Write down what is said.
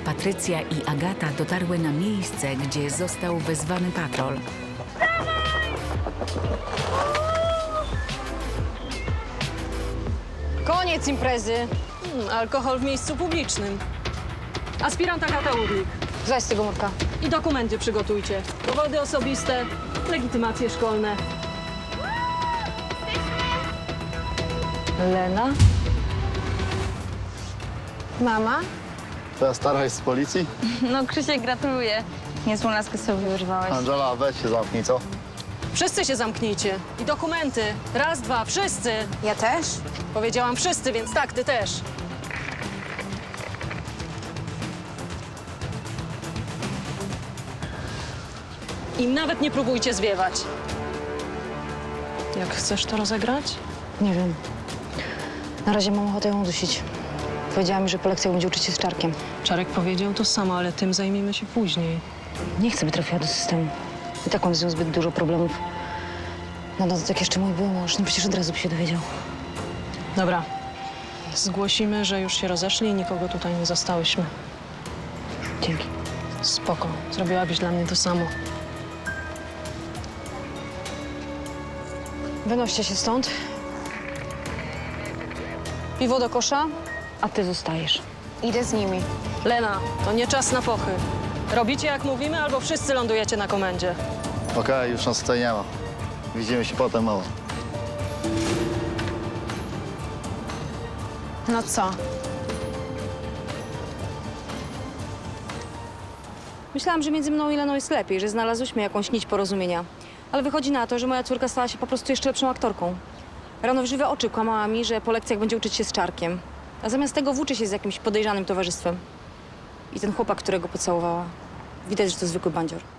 Patrycja i Agata dotarły na miejsce, gdzie został wezwany patrol. Koniec imprezy. Alkohol w miejscu publicznym. Aspirant Agata Urlik. Zaś z tego murka. I dokumenty przygotujcie. Dowody osobiste, legitymacje szkolne. Lena? Mama? Twoja stara jest z policji? No, Krzysiek, gratuluję. Niezłą laskę sobie wyrwałeś. Angela, weź się zamknij, co? Wszyscy się zamknijcie. I dokumenty. Raz, dwa, wszyscy. Ja też? Powiedziałam wszyscy, więc tak, ty też. I nawet nie próbujcie zwiewać. Jak chcesz to rozegrać? Nie wiem. Na razie mam ochotę ją udusić. Powiedziała mi, że po lekcjach będzie uczyć się z Czarkiem. Czarek powiedział to samo, ale tym zajmiemy się później. Nie chcę, by trafiła do systemu. I tak mam z nią zbyt dużo problemów. No dodatek jeszcze mój był mąż, no przecież od razu by się dowiedział. Dobra. Zgłosimy, że już się rozeszli i nikogo tutaj nie zastałyśmy. Dzięki. Spoko. Zrobiłabyś dla mnie to samo. Wynoście się stąd. Piwo do kosza, a ty zostajesz. Idę z nimi. Lena, to nie czas na pochy. Robicie jak mówimy, albo wszyscy lądujecie na komendzie. Okej, już nas tutaj nie ma. Widzimy się potem, mała. No co? Myślałam, że między mną i Leną jest lepiej, że znalazłyśmy jakąś nić porozumienia. Ale wychodzi na to, że moja córka stała się po prostu jeszcze lepszą aktorką. Rano w żywe oczy kłamała mi, że po lekcjach będzie uczyć się z Czarkiem. A zamiast tego włóczy się z jakimś podejrzanym towarzystwem. I ten chłopak, którego pocałowała, widać, że to zwykły bandzior.